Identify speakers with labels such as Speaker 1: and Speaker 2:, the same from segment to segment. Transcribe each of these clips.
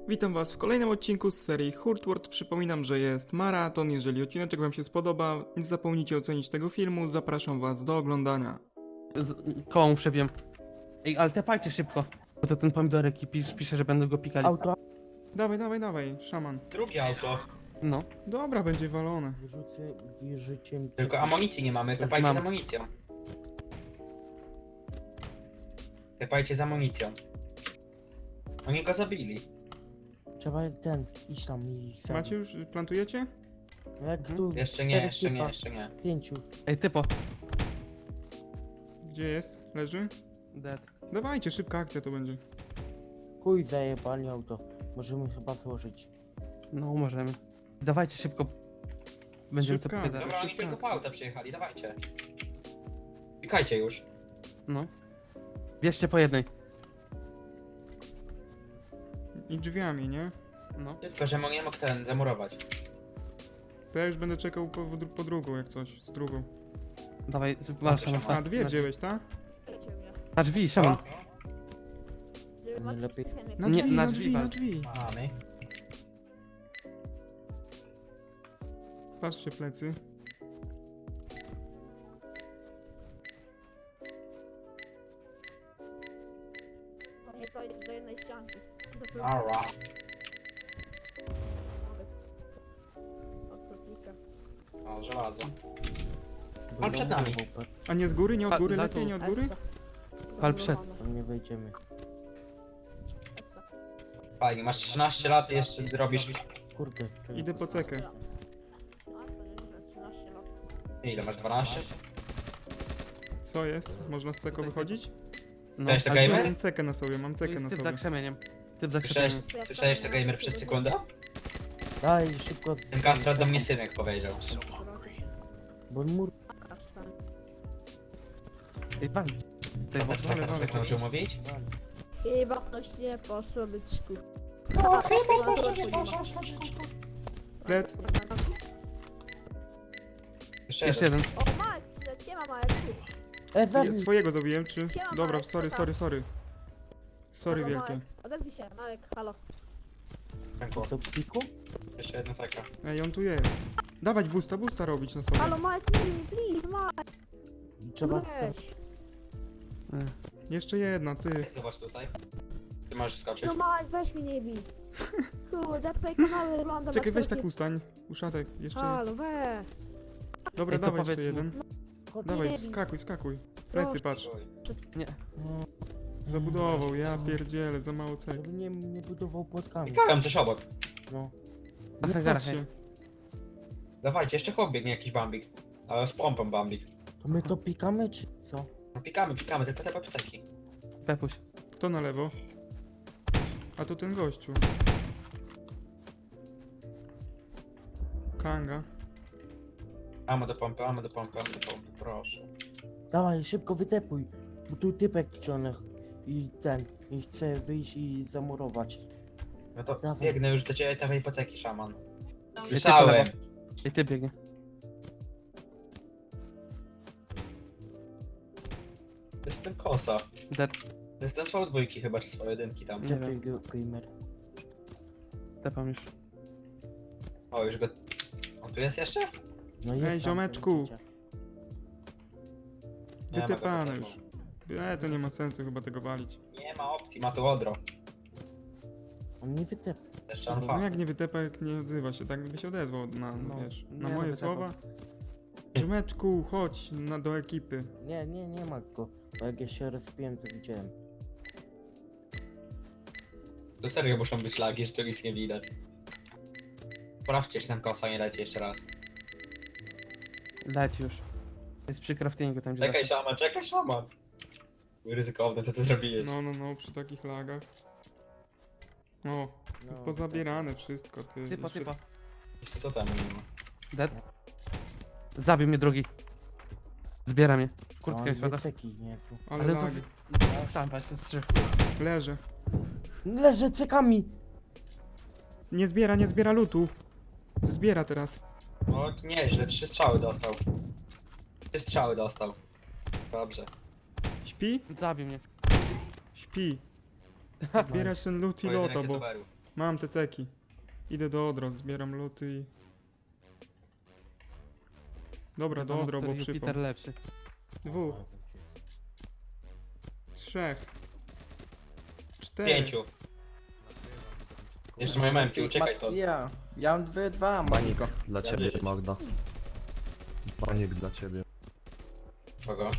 Speaker 1: Witam Was w kolejnym odcinku z serii Hurtword. Przypominam, że jest maraton. Jeżeli odcineczek Wam się spodoba, nie zapomnijcie ocenić tego filmu. Zapraszam Was do oglądania.
Speaker 2: Koło mu przebiłem. Ej, ale tepajcie szybko. Bo to ten pomidorek i pisze, że będą go pikali.
Speaker 3: Auto.
Speaker 1: Dawaj, szaman.
Speaker 4: Drugie auto.
Speaker 2: No.
Speaker 1: Dobra, będzie walone.
Speaker 3: Wyrzucie mi
Speaker 4: Tylko amunicji nie mamy, tepajcie
Speaker 2: mam.
Speaker 4: z amunicją. Tepajcie z amunicją. Oni go zabili.
Speaker 3: Trzeba iść tam i zabić.
Speaker 1: Macie już? Plantujecie?
Speaker 3: Jak tu
Speaker 4: Jeszcze nie, jeszcze nie.
Speaker 3: 5.
Speaker 2: Ej, typo.
Speaker 1: Gdzie jest? Leży?
Speaker 2: Dead.
Speaker 1: Dawajcie, szybka akcja to będzie.
Speaker 3: Chuj zajebali auto. Możemy chyba złożyć.
Speaker 2: No, możemy. Dawajcie szybko. Będziemy to
Speaker 1: Szybka.
Speaker 2: powiadać.
Speaker 4: Dobra, oni tylko po auta przyjechali, dawajcie. Pikajcie już.
Speaker 2: No. Bierzcie po jednej.
Speaker 1: I drzwiami, nie?
Speaker 2: No.
Speaker 4: Tylko, że nie mógł ten zamurować.
Speaker 1: To ja już będę czekał po drugą, jak coś. Z drugą.
Speaker 2: Dawaj, masz
Speaker 4: Szaman.
Speaker 1: A, dwie wzięłeś, tak?
Speaker 2: Na drzwi, szaman.
Speaker 3: Nie lepiej.
Speaker 1: Na
Speaker 2: Nie,
Speaker 1: drzwi,
Speaker 2: na
Speaker 1: na
Speaker 2: drzwi
Speaker 1: drzwi, na
Speaker 2: wal.
Speaker 1: drzwi.
Speaker 4: Mamy.
Speaker 1: Patrzcie plecy.
Speaker 5: Nie to jest do jednej ścianki.
Speaker 4: Ara.
Speaker 5: O co pika?
Speaker 4: O, żelazo.
Speaker 3: Bo
Speaker 4: On przed nami.
Speaker 3: zamurował, patrz,
Speaker 1: A nie z góry? Nie od góry?
Speaker 2: Za
Speaker 1: Lepiej
Speaker 2: tu.
Speaker 1: nie od góry?
Speaker 2: Pal przed.
Speaker 3: Tam nie wejdziemy.
Speaker 4: Fajnie, masz 13 lat i jeszcze robisz...
Speaker 3: Kurde. czekaj.
Speaker 1: Idę po cekę.
Speaker 5: A, to nieźle, 13 lat.
Speaker 4: Ile masz, 12?
Speaker 1: Co jest? Można z ceko wychodzić?
Speaker 2: No.
Speaker 4: Cześć, to
Speaker 2: ale
Speaker 4: gamer?
Speaker 1: Mam cekę na sobie, mam
Speaker 2: tu
Speaker 1: cekę
Speaker 2: jest
Speaker 1: na
Speaker 2: typ za
Speaker 1: sobie.
Speaker 2: krzemieniem. Typ za
Speaker 4: Słyszałeś,
Speaker 2: krzemieniem.
Speaker 4: słyszałeś to gamer przed sekundą?
Speaker 3: Daj szybko.
Speaker 4: Ten kastrat do mnie synek powiedział.
Speaker 3: Bo mur.
Speaker 2: Ej, wal. Tej
Speaker 4: Też
Speaker 2: wal.
Speaker 4: tak kastrat nauczył mówić?
Speaker 5: Chyba ktoś nie poszło byczku.
Speaker 4: O, chyba coś nie
Speaker 1: Plec.
Speaker 2: Jeszcze jeden.
Speaker 5: O, Marek, siema Marek.
Speaker 3: Zabij.
Speaker 1: Swojego zabiłem, czy?
Speaker 5: Siema,
Speaker 1: Dobra,
Speaker 5: Marek,
Speaker 1: sorry. Sorry
Speaker 5: Halo,
Speaker 1: wielkie.
Speaker 5: Marek, odezwij się, Marek, halo.
Speaker 4: Dziękuję.
Speaker 3: Co piku?
Speaker 4: Jeszcze jedna ceka.
Speaker 1: Ej, on tu jest. Dawać busta robić na sobie.
Speaker 5: Halo Marek, nie, please, Marek,
Speaker 3: Trzeba.
Speaker 5: weź.
Speaker 1: Jeszcze jedna, ty.
Speaker 4: Zobacz tutaj. Ty możesz wskoczyć.
Speaker 5: No Marek, weź mnie nie bij. Kurde, twoje kanały wygląda
Speaker 1: Czekaj, weź tak ustań. Uszatek, jeszcze.
Speaker 5: Halo, weź.
Speaker 1: Dobra,
Speaker 2: Ej, to
Speaker 1: dawaj jeszcze
Speaker 2: powiedz
Speaker 1: jeden.
Speaker 3: Chodź.
Speaker 1: Dawaj,
Speaker 5: nie bij.
Speaker 1: skakuj. Plecy, patrz.
Speaker 2: Nie.
Speaker 1: Zabudował, ja pierdzielę, za mało cek.
Speaker 3: Żeby nie budował płotkami.
Speaker 4: Pikałem coś obok.
Speaker 3: No.
Speaker 2: Na
Speaker 1: Nie
Speaker 2: hangarach,
Speaker 1: patrzcie.
Speaker 2: ej.
Speaker 4: Dawajcie, jeszcze chłop biegnie jakiś bambik. Ale z pompą bambik.
Speaker 3: To my to pikamy czy co?
Speaker 4: No pikamy, tylko te papiceki.
Speaker 2: Pepuś.
Speaker 1: Kto na lewo? A to ten gościu. Kanga.
Speaker 4: Amo do pompy, proszę.
Speaker 3: Dawaj szybko wytepuj. Bo tu typek ciągle i chce wyjść i zamurować.
Speaker 4: No to
Speaker 3: Dawaj.
Speaker 4: biegnę już do ciebie, dawaj poceki, szaman.
Speaker 2: Ej,
Speaker 4: Słyszałem.
Speaker 2: Ej, ty biegnie.
Speaker 4: To jest ten kosa.
Speaker 2: Dead.
Speaker 4: To jest ten z dwójki chyba, czy z jedynki tam.
Speaker 2: Nie
Speaker 3: Czekaj
Speaker 2: wiem.
Speaker 3: gamer.
Speaker 2: Tepam już.
Speaker 4: O, już go... On tu jest jeszcze?
Speaker 3: No jest tam,
Speaker 1: ziomeczku.
Speaker 3: widzicie.
Speaker 4: Nie ma go
Speaker 1: Wytepane
Speaker 4: tutaj.
Speaker 1: już. To nie ma sensu chyba tego walić.
Speaker 4: Nie ma opcji, ma tu odro.
Speaker 3: On nie wytepł.
Speaker 4: Jeszcze on
Speaker 1: No
Speaker 4: fa.
Speaker 1: jak nie wytepa, jak nie odzywa się, tak by się odezwał na,
Speaker 2: No,
Speaker 1: wiesz,
Speaker 2: nie,
Speaker 1: na
Speaker 2: no
Speaker 1: moje
Speaker 2: wytepał.
Speaker 1: słowa. Ziomeczku, chodź do ekipy.
Speaker 3: Nie ma go. Bo jak ja się rozpiłem, to widziałem.
Speaker 4: To serio muszą być lagi, że tu nic nie widać. Sprawdźcie, czy ten kosa nie leci jeszcze raz.
Speaker 2: Leci już. Jest przy craftingu tam, gdzie
Speaker 4: Czekaj szaman. Ryzykowne to co zrobiłeś.
Speaker 1: No, przy takich lagach. O,
Speaker 3: No,
Speaker 1: pozabierane wszystko, ty.
Speaker 2: Typa,
Speaker 1: Jeszcze-
Speaker 2: typa.
Speaker 4: Jeszcze to temu nie ma.
Speaker 2: Dead. Zabił mnie drugi. Zbiera mnie.
Speaker 3: no,
Speaker 2: Kurtkę
Speaker 3: on
Speaker 2: jest woda.
Speaker 3: ceki, nie? Tu.
Speaker 1: Ale
Speaker 2: Ale to...
Speaker 1: lagi.
Speaker 2: Tam, patrz, jest trzech.
Speaker 1: Leży.
Speaker 3: Leżę cekami!
Speaker 1: Nie zbiera lutu. Zbiera teraz.
Speaker 4: No nieźle, 3 strzały dostał. 3 strzały dostał. Dobrze.
Speaker 1: Śpi?
Speaker 2: Zabił mnie.
Speaker 1: Śpi. Zbierać ten loot i
Speaker 4: Pojedynek
Speaker 1: loto, bo
Speaker 4: youtuberów.
Speaker 1: Mam te ceki. Idę do Odro, zbieram luty i... Dobra, do Odro, bo
Speaker 2: Który
Speaker 1: przypał.
Speaker 2: Jupiter lepszy.
Speaker 1: 2, 3, 4.
Speaker 4: 5. Jeszcze moje memki, uciekaj to.
Speaker 3: Ja mam dwa,
Speaker 6: Banik
Speaker 3: Moniko.
Speaker 6: dla ciebie, Magda. Banik dla ciebie.
Speaker 4: Kogo?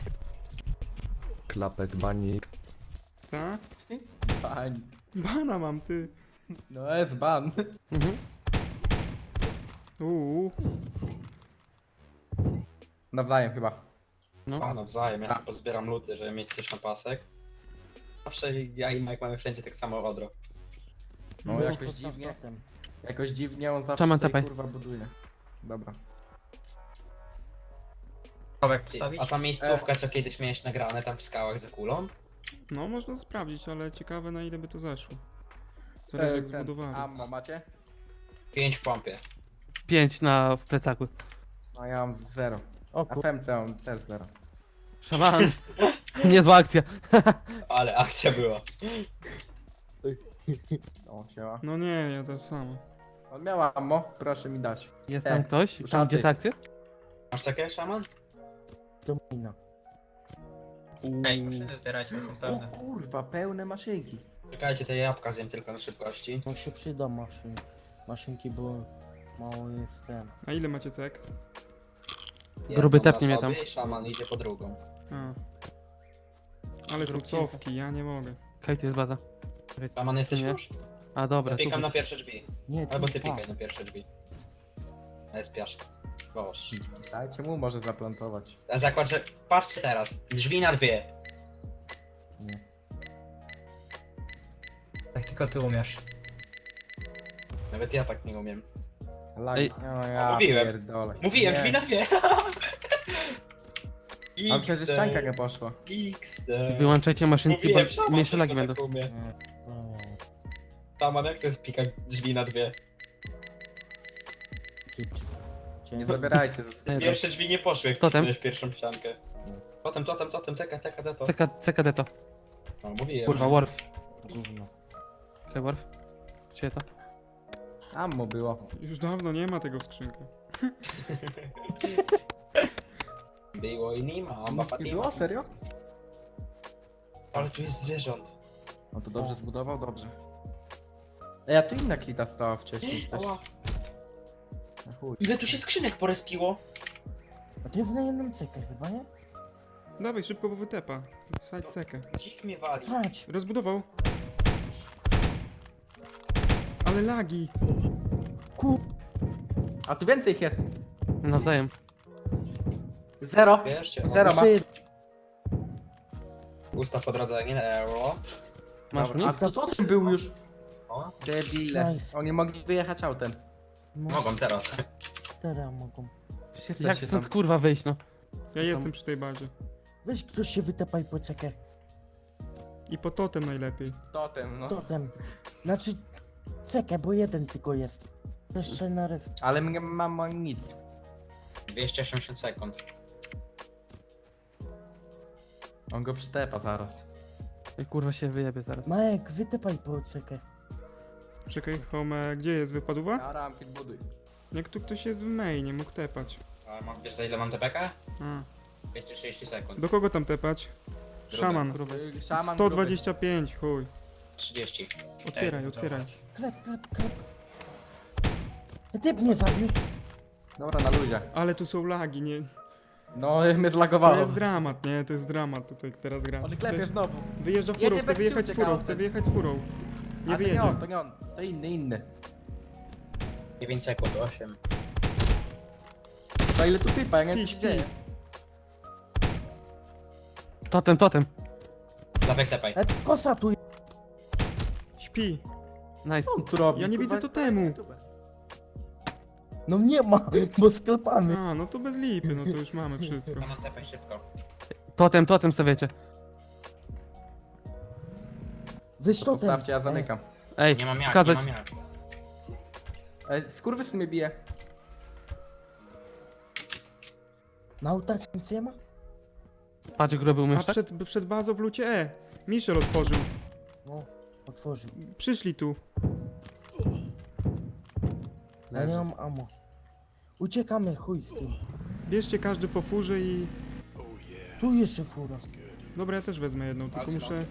Speaker 6: Klapek, banik.
Speaker 1: Tak?
Speaker 3: Bań.
Speaker 1: Bana mam, ty.
Speaker 3: No jest ban.
Speaker 2: Mhm.
Speaker 3: Nawzajem chyba.
Speaker 2: No.
Speaker 4: A, nawzajem, ja sobie pozbieram luty, żeby mieć coś na pasek. Zawsze ja i Mike mamy wszędzie tak samo odro.
Speaker 3: No jakoś dziwnie. Jakoś dziwnie on zawsze
Speaker 2: Szaman,
Speaker 3: tutaj,
Speaker 2: tepaj.
Speaker 3: kurwa buduje. Dobra.
Speaker 4: A ta miejscówka, co kiedyś miałeś nagrane tam w skałach za kulą?
Speaker 1: No, można sprawdzić, ale ciekawe na ile by to zeszło. Zależy jak zbudowali.
Speaker 3: Ammo macie?
Speaker 4: 5 w pompie.
Speaker 2: 5 w plecaku.
Speaker 3: No ja mam 0.
Speaker 7: O
Speaker 3: A
Speaker 7: kur...
Speaker 3: FMC mam też 0.
Speaker 2: Szaman. Niezła akcja.
Speaker 4: Ale akcja była.
Speaker 3: O, siema.
Speaker 1: No nie, ja to samo.
Speaker 3: On miał ammo, proszę mi dać.
Speaker 2: Jest tam ktoś? Tam
Speaker 3: szaty.
Speaker 2: gdzie ta akcja?
Speaker 4: Masz takie, szaman?
Speaker 7: Domina.
Speaker 8: Ej, maszyny zbierajcie, są
Speaker 3: O
Speaker 8: pełne.
Speaker 3: kurwa, pełne maszynki.
Speaker 4: Czekajcie, te jabłka zjem tylko na szybkości.
Speaker 7: No się przyda maszynki, bo mało jest ten.
Speaker 1: A ile macie cek?
Speaker 2: Gruby
Speaker 4: Jedną
Speaker 2: tepnie
Speaker 4: na
Speaker 2: mnie tam.
Speaker 4: sobie i szaman idzie po drugą.
Speaker 1: A. Ale są
Speaker 2: Zrób
Speaker 1: cofki, ja nie mogę.
Speaker 2: Okej, to jest baza.
Speaker 4: Szaman jesteś
Speaker 2: Nie.
Speaker 4: już?
Speaker 2: A dobra,
Speaker 4: Ja
Speaker 2: tu.
Speaker 4: pikam na pierwsze drzwi.
Speaker 7: Nie,
Speaker 4: Albo
Speaker 7: tu
Speaker 4: ty
Speaker 7: dwa.
Speaker 4: pikaj na pierwsze drzwi. Ale spiasz. Boż.
Speaker 3: Dajcie mu może zaplantować.
Speaker 4: A zakład, że... Patrzcie teraz. Drzwi na dwie.
Speaker 8: Tak tylko ty umiesz.
Speaker 4: Nawet ja tak nie umiem.
Speaker 3: Lag.
Speaker 2: Ej.
Speaker 3: No ja
Speaker 4: mówiłem.
Speaker 3: pierdolę.
Speaker 4: Mówiłem,
Speaker 3: Nie.
Speaker 4: drzwi na dwie.
Speaker 3: A przecież ścianka nie poszła.
Speaker 4: XD.
Speaker 2: Wyłączajcie maszynki,
Speaker 4: Mówiłem,
Speaker 2: bo
Speaker 4: szaman
Speaker 2: mniejsze lagi
Speaker 4: tylko
Speaker 2: będą.
Speaker 4: tak umie.
Speaker 7: No,
Speaker 4: Szaman, jak to jest pikać drzwi na dwie?
Speaker 7: kicz.
Speaker 3: Nie zabierajcie ze sobą.
Speaker 4: Pierwsze drzwi nie poszły, jak
Speaker 2: Totem?
Speaker 4: wpisałeś pierwszą ściankę. Totem, ceka, to.
Speaker 2: CKD to.
Speaker 4: No, mówiłem.
Speaker 2: Kurwa, Worf.
Speaker 7: Gówno.
Speaker 2: Okej, Worf. Gdzie to?
Speaker 3: Ammo było.
Speaker 1: Już dawno nie ma tego w skrzynkach.
Speaker 4: Było i nie ma,
Speaker 3: Nic nie było? Serio?
Speaker 4: Ale tu jest zwierząt.
Speaker 3: No to dobrze zbudował, dobrze. Ej, a tu inna klita stała wcześniej. Coś...
Speaker 4: Ała.
Speaker 3: Na chuj.
Speaker 4: Ile tu się skrzynek porespiło?
Speaker 7: A to jest na jedną cekę chyba, nie?
Speaker 1: Dawaj, szybko, bo wytepa. Wsadź cekę.
Speaker 4: Dzik mnie wali.
Speaker 7: Chodź.
Speaker 1: Rozbudował. Ale lagi.
Speaker 3: A tu więcej ich jest.
Speaker 2: Nawzajem.
Speaker 3: 0.
Speaker 4: Wiesz,
Speaker 3: 0 ma.
Speaker 7: Jeszcze
Speaker 4: Ustaw odrodzenie, euro.
Speaker 2: Masz
Speaker 3: Dobra, a
Speaker 2: nic?
Speaker 3: to totem był już.
Speaker 4: O,
Speaker 3: Debile.
Speaker 7: Nice.
Speaker 3: Oni mogli wyjechać autem.
Speaker 7: no,
Speaker 4: mogą teraz.
Speaker 7: 4 mogą.
Speaker 2: Jak stąd kurwa wyjść, no?
Speaker 1: Ja jestem przy tej bazie.
Speaker 7: Weź ktoś się wytepaj po cekę.
Speaker 1: I po totem najlepiej.
Speaker 3: Totem, no.
Speaker 7: Totem. Znaczy cekę, bo jeden tylko jest. Jeszcze na resztę.
Speaker 3: Ale mnie mam nic.
Speaker 4: 280 sekund.
Speaker 3: On go przytepa zaraz.
Speaker 2: I kurwa się wyjebie zaraz.
Speaker 7: Majek, wytepaj po cekę.
Speaker 1: Czekaj, Home, gdzie jest wypadła?
Speaker 3: Ja ramki buduj.
Speaker 1: Jak tu ktoś jest w mainie, mógł tepać.
Speaker 4: A wiesz za ile mam TPK?
Speaker 1: A.
Speaker 4: 230 sekund.
Speaker 1: Do kogo tam tepać? Szaman.
Speaker 3: Szaman
Speaker 1: 125, chuj.
Speaker 4: 30.
Speaker 1: Otwieraj, otwieraj.
Speaker 7: Klep. Typ mnie zabił.
Speaker 3: gruby. Dobra, na luzie.
Speaker 1: Ale tu są lagi, nie?
Speaker 3: No, mnie
Speaker 1: To
Speaker 3: zlagowało.
Speaker 1: jest dramat, nie? To jest dramat tutaj teraz gra.
Speaker 3: On klepie znowu.
Speaker 1: Wyjeżdża
Speaker 3: Jedzie
Speaker 1: furą, chce
Speaker 3: we
Speaker 1: wyjechać
Speaker 3: wsiucie,
Speaker 1: furą,
Speaker 3: Gauntlet.
Speaker 1: chce wyjechać furą. Nie
Speaker 3: A
Speaker 1: wyjedzie.
Speaker 3: to nie on. To inny.
Speaker 4: 9 sekund, 8.
Speaker 3: To ile tu typa, ja nie wiem co
Speaker 1: Śpi,
Speaker 3: się dzieje.
Speaker 2: Totem.
Speaker 4: Dawaj tepaj.
Speaker 7: Kosa tu.
Speaker 1: Śpi.
Speaker 2: Nice.
Speaker 3: Co on tu robi?
Speaker 1: Ja nie
Speaker 3: Kurwa,
Speaker 1: widzę totemu.
Speaker 7: No nie ma, bo sklepamy.
Speaker 1: A, no to bez lipy, no to już mamy wszystko.
Speaker 4: Szaman tepaj szybko.
Speaker 2: Totem stawiacie.
Speaker 7: Weź totem.
Speaker 3: Postawcie, ja zamykam.
Speaker 2: Ej,
Speaker 4: Nie mam jak,
Speaker 2: pokazać.
Speaker 4: nie mam jak.
Speaker 3: Skurwysyn mnie bije.
Speaker 7: Na autach nic nie ma?
Speaker 2: Patrz, gruby
Speaker 1: A
Speaker 2: umiesz, tak?
Speaker 1: przed bazą w lucie Michel otworzył.
Speaker 7: No, otworzył.
Speaker 1: Przyszli tu.
Speaker 3: Ja nie mam ammo. Uciekamy, chuj z tym.
Speaker 1: Bierzcie każdy po furze i...
Speaker 3: Tu jeszcze fura.
Speaker 1: Dobra, ja też wezmę jedną, tylko muszę...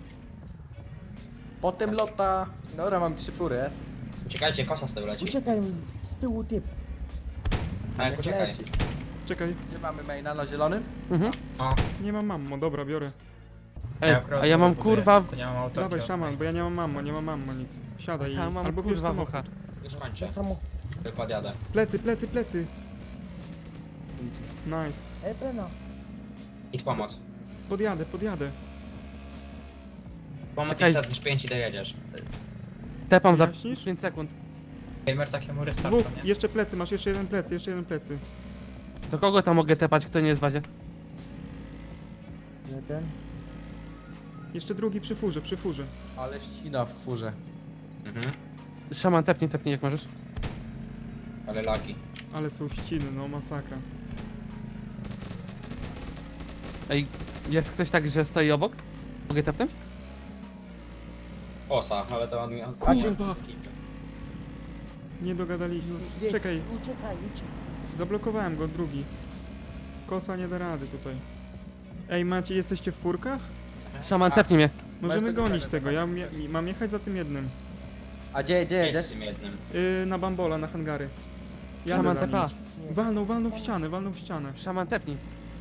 Speaker 9: Potem lota. Dobra, mam 3 fury, jest.
Speaker 4: Uciekajcie, kosa z tyłu leci.
Speaker 3: Uciekaj, z tyłu typ.
Speaker 4: Majek, uciekaj.
Speaker 9: Leci.
Speaker 1: Czekaj,
Speaker 9: Gdzie mamy maina na zielonym?
Speaker 2: Mhm.
Speaker 1: nie mam mammo, dobra, biorę.
Speaker 2: Ej,
Speaker 8: akurat
Speaker 2: a ja mam
Speaker 8: buduję,
Speaker 2: kurwa...
Speaker 8: tylko nie mam autorki
Speaker 1: Dawaj
Speaker 8: od
Speaker 1: szaman,
Speaker 8: Majka.
Speaker 1: bo ja nie mam mammo, nie mam mammo nic. Siadaj
Speaker 2: Ja mam
Speaker 1: albo bierz
Speaker 2: kurwa
Speaker 1: samochód.
Speaker 2: wocha.
Speaker 4: Już kończę,
Speaker 3: To samo.
Speaker 4: tylko odjadę.
Speaker 1: Plecy, plecy, plecy. Nice.
Speaker 3: Pena.
Speaker 4: Idź pomoc.
Speaker 1: Podjadę, podjadę.
Speaker 4: Pomoc
Speaker 2: Czekaj.
Speaker 4: i wsadzisz 5 i dojedziesz.
Speaker 2: Tepam za
Speaker 1: Jaśnisz?
Speaker 2: 5 sekund.
Speaker 8: Gamer takiemu
Speaker 1: Dwóch,
Speaker 8: restartu, nie?
Speaker 1: jeszcze plecy, masz jeszcze jeden plecy, jeszcze jeden plecy.
Speaker 2: Do kogo tam mogę tepać, kto nie jest w bazie?
Speaker 3: Jeden.
Speaker 1: Jeszcze drugi przy furze, przy furze.
Speaker 9: Ale ścina w furze.
Speaker 4: Mhm.
Speaker 2: Szaman, tepnij jak możesz.
Speaker 4: Ale lagi.
Speaker 1: Ale są ściny, no masakra.
Speaker 2: Ej, jest ktoś tak, że stoi obok? Mogę tepnąć?
Speaker 4: Osa, ale to on...
Speaker 1: Kurwa! Nie dogadaliśmy.
Speaker 3: Jedź.
Speaker 1: Czekaj,
Speaker 3: Uciekaj, uciekaj.
Speaker 1: zablokowałem go, drugi. Kosa nie da rady tutaj. Ej, macie, jesteście w furkach?
Speaker 2: Szaman, tepnij mnie.
Speaker 1: Możemy
Speaker 9: tego
Speaker 1: gonić
Speaker 9: fajne,
Speaker 1: tego, ja mam jechać za tym jednym.
Speaker 9: A gdzie
Speaker 4: Jedź
Speaker 9: jedziesz?
Speaker 4: z tym jednym.
Speaker 1: Na bambola, na hangary. Jadę
Speaker 2: Szaman,
Speaker 1: za nim.
Speaker 2: tepa.
Speaker 3: Nie.
Speaker 1: Walnął w ścianę, walnął w ścianę.
Speaker 2: Szaman, tepnij.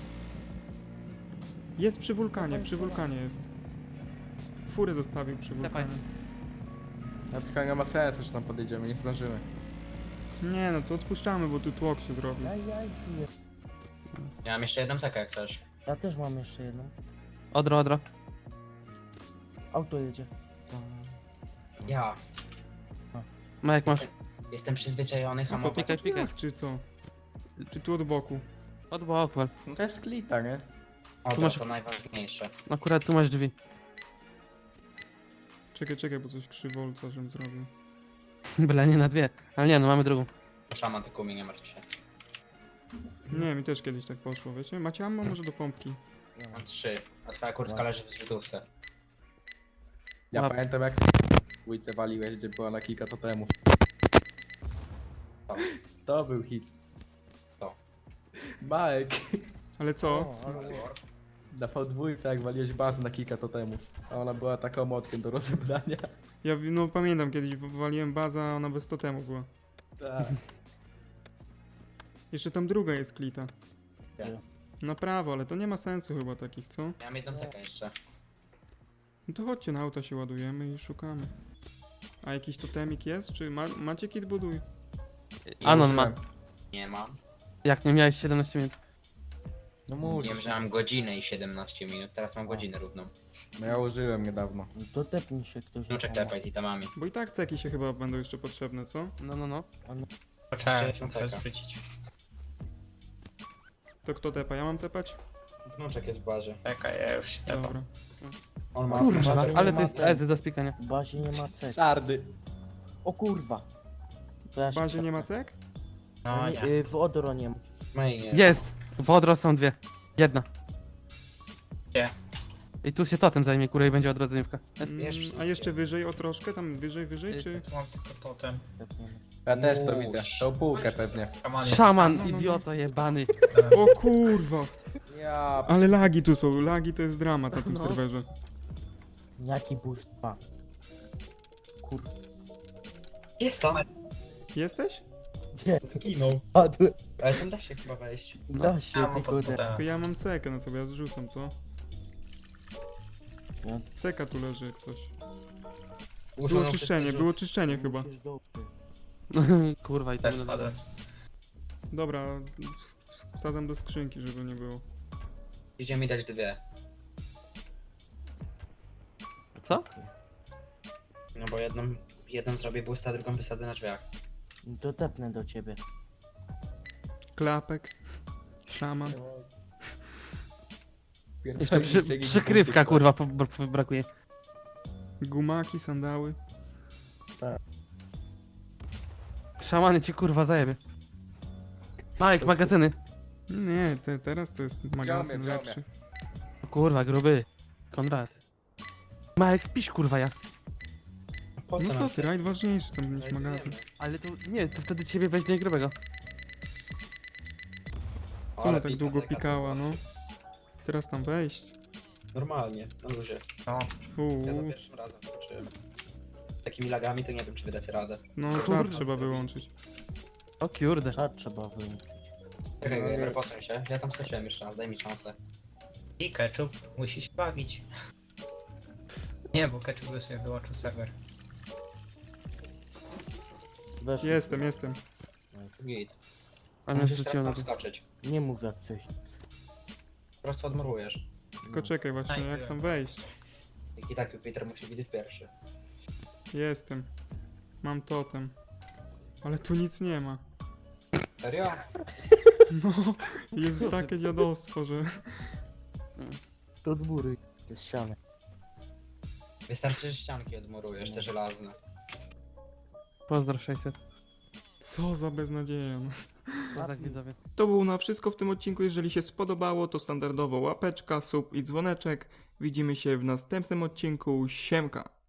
Speaker 1: Jest przy wulkanie,
Speaker 3: Dawaj,
Speaker 1: przy
Speaker 3: Szaman.
Speaker 1: wulkanie jest. Furę zostawił przy
Speaker 2: Dawaj.
Speaker 1: wulkanie.
Speaker 9: Ja tylko nie ma sensu, że tam podjedziemy, nie zdążymy.
Speaker 1: Nie no, to odpuszczamy, bo tu tłok się zrobił.
Speaker 3: Jaj, nie.
Speaker 4: Ja mam jeszcze jedną sekę jak chcesz.
Speaker 3: Ja też mam jeszcze jedną.
Speaker 2: Odro.
Speaker 3: Auto jedzie.
Speaker 4: Ja.
Speaker 2: Majek masz.
Speaker 4: Jestem przyzwyczajony
Speaker 1: A co, to
Speaker 4: hamować.
Speaker 2: Pikaj, pikaj.
Speaker 1: tak, czy co? Czy tu od boku?
Speaker 2: Od boku.
Speaker 9: No to jest klita, nie?
Speaker 4: O,
Speaker 2: Tu masz-
Speaker 4: to najważniejsze.
Speaker 2: Akurat tu masz drzwi.
Speaker 1: Czekaj, bo coś krzywolca, żebym zrobił.
Speaker 2: Byle nie na dwie. Ale nie, no mamy drugą.
Speaker 4: To szaman tylko umie, nie martw się.
Speaker 1: Nie, mi też kiedyś tak poszło, wiecie? Macie ammo może do pompki?
Speaker 4: Mam 3, a twoja kurtka leży w zrzutówce.
Speaker 9: Ja
Speaker 2: Łap.
Speaker 9: pamiętam jak łójce waliłeś, gdzie była na kilka totemów.
Speaker 4: To.
Speaker 9: To był hit.
Speaker 4: To.
Speaker 9: Majek.
Speaker 1: Ale co?
Speaker 3: O, ale...
Speaker 9: Na V2 jak waliłeś bazę na kilka totemów. A ona była taką mocną do rozebrania.
Speaker 1: Ja no pamiętam kiedyś waliłem bazę, a ona bez totemu była.
Speaker 9: Tak.
Speaker 1: Jeszcze tam druga jest klita.
Speaker 4: Gdzie?
Speaker 1: Na prawo, ale to nie ma sensu chyba takich, co?
Speaker 4: Ja mam jedną sekę jeszcze.
Speaker 1: No to chodźcie, na auta się ładujemy i szukamy. A jakiś totemik jest? Czy macie kit buduj?
Speaker 2: Anon ma.
Speaker 4: Nie mam.
Speaker 2: Jak nie miałeś 17 minut?
Speaker 9: No
Speaker 4: Nie
Speaker 9: musisz.
Speaker 4: wiem, że mam godzinę i 17 minut, teraz mam godzinę równą.
Speaker 9: No ja użyłem niedawno.
Speaker 3: To tepnij się ktoś.
Speaker 4: Wnuczek
Speaker 3: na
Speaker 4: tepaj z itemami.
Speaker 1: Bo i tak ceki się chyba będą jeszcze potrzebne, co?
Speaker 2: No.
Speaker 8: Poczekaj,
Speaker 4: Jeszcze
Speaker 8: muszę
Speaker 4: czeka.
Speaker 8: zrzucić.
Speaker 1: To kto tepa? Ja mam tepać?
Speaker 4: Wnuczek jest w barze.
Speaker 8: Czekaj, ja już się tepam.
Speaker 1: Dobra.
Speaker 4: On ma...
Speaker 2: Kurwa,
Speaker 3: Bazie
Speaker 2: ale
Speaker 3: nie
Speaker 2: to
Speaker 3: ma
Speaker 2: jest
Speaker 3: ten.
Speaker 2: ezy do spikania.
Speaker 3: W bazie nie ma cek.
Speaker 9: Sardy.
Speaker 3: O kurwa. To ja
Speaker 1: W
Speaker 3: się
Speaker 1: bazie nie ma
Speaker 3: tepnę.
Speaker 1: cek?
Speaker 8: No
Speaker 3: Nie,
Speaker 8: nie.
Speaker 3: w Odro nie ma.
Speaker 4: No i nie.
Speaker 2: Jest! W odro są dwie. Jedna.
Speaker 8: Gdzie?
Speaker 2: I tu się totem zajmie, kurwa, i będzie odrodzeniówka.
Speaker 4: Wiesz,
Speaker 1: A jeszcze wyżej o troszkę? Tam wyżej, czy?
Speaker 8: Tu mam tylko totem.
Speaker 3: Tepniemy.
Speaker 9: Ja też to
Speaker 4: Nóż.
Speaker 9: widzę. Tą półkę pewnie.
Speaker 8: Szaman jest.
Speaker 2: Szaman,
Speaker 1: no.
Speaker 2: idioto jebany.
Speaker 1: O kurwa!
Speaker 9: Ja
Speaker 1: Ale lagi tu są, lagi to jest dramat na tym
Speaker 2: No.
Speaker 1: serwerze.
Speaker 3: Jaki boost ma? Kur...
Speaker 4: Jest tam.
Speaker 1: Jesteś?
Speaker 3: Nie,
Speaker 4: Zginął.
Speaker 3: padły.
Speaker 4: Ale tam da się chyba wejść.
Speaker 3: Da się,
Speaker 8: Ja mam
Speaker 3: tylko
Speaker 8: pod
Speaker 3: że...
Speaker 1: Tylko ja mam cekę na sobie, ja zrzucam to.
Speaker 3: Ja-
Speaker 1: Ceka tu leży jak coś.
Speaker 4: Usunął
Speaker 1: Było czyszczenie,
Speaker 4: wszystkie
Speaker 1: było czyszczenie chyba.
Speaker 3: Musisz dobrze.
Speaker 2: Kurwa, i to
Speaker 8: Też
Speaker 2: będę...
Speaker 8: spadłem.
Speaker 1: Dobra, wsadzam do skrzynki, żeby nie było.
Speaker 4: Idzie mi dać 2.
Speaker 2: Co?
Speaker 4: No bo jedną zrobię boosta, drugą wysadzę na drzwiach.
Speaker 3: To tepnę do ciebie.
Speaker 1: Klapek. Szaman.
Speaker 2: Jeszcze przykrywka, kurwa, brakuje.
Speaker 1: Gumaki, sandały.
Speaker 2: Szamany ci, kurwa, zajebie. Majek, magazyny.
Speaker 1: Nie, teraz to jest magazyn
Speaker 9: Wziąłem.
Speaker 1: lepszy.
Speaker 2: O kurwa, gruby. Konrad. Majek, pisz, kurwa, ja.
Speaker 4: Po
Speaker 1: No
Speaker 4: nam
Speaker 1: co ty,
Speaker 4: chcesz?
Speaker 1: rajd ważniejszy tam niż magazyn.
Speaker 2: Ale to nie, to wtedy ciebie weźmie grubego.
Speaker 1: Co ona
Speaker 4: Ale
Speaker 1: tak
Speaker 4: pika
Speaker 1: długo
Speaker 4: ceka
Speaker 1: pikała,
Speaker 4: była.
Speaker 1: no? Teraz tam wejść.
Speaker 4: Normalnie, na luzie.
Speaker 8: No,
Speaker 4: Ja za
Speaker 1: Uuu,
Speaker 4: pierwszym razem skoczyłem. Takimi lagami to nie wiem, czy wydacie radę.
Speaker 1: no czat
Speaker 2: Kurde.
Speaker 1: trzeba wyłączyć.
Speaker 2: O kurde.
Speaker 3: Czad trzeba wyłączyć.
Speaker 4: Czekaj, Gamer, posuń się. Ja tam skoczyłem jeszcze raz, daj mi szansę.
Speaker 8: i Ketchup musi się bawić. Nie, bo Ketchup by sobie wyłączył serwer.
Speaker 3: Weź.
Speaker 1: Jestem.
Speaker 4: Git.
Speaker 2: A mnie
Speaker 4: Musisz
Speaker 2: zrzuciło
Speaker 4: teraz
Speaker 2: na
Speaker 4: tam
Speaker 2: to.
Speaker 4: skoczyć.
Speaker 3: Nie mów jak coś.
Speaker 4: Po prostu odmurujesz.
Speaker 1: Tylko czekaj właśnie,
Speaker 8: Aj,
Speaker 1: jak
Speaker 8: byłem.
Speaker 1: tam wejść?
Speaker 4: I tak Jupiter musi widzieć pierwszy.
Speaker 1: Jestem. Mam totem. Ale tu nic nie ma.
Speaker 4: Serio?
Speaker 1: No, jest takie dziadostwo, że...
Speaker 3: To od góry. To jest ściany.
Speaker 4: Wystarczy, że ścianki odmurujesz, te żelazne.
Speaker 2: Pozdro 600.
Speaker 1: Co za beznadzieja. No.
Speaker 2: No tak widzowie.
Speaker 1: To było na wszystko w tym odcinku. Jeżeli się spodobało, to standardowo łapeczka, sub i dzwoneczek. Widzimy się w następnym odcinku. Siemka!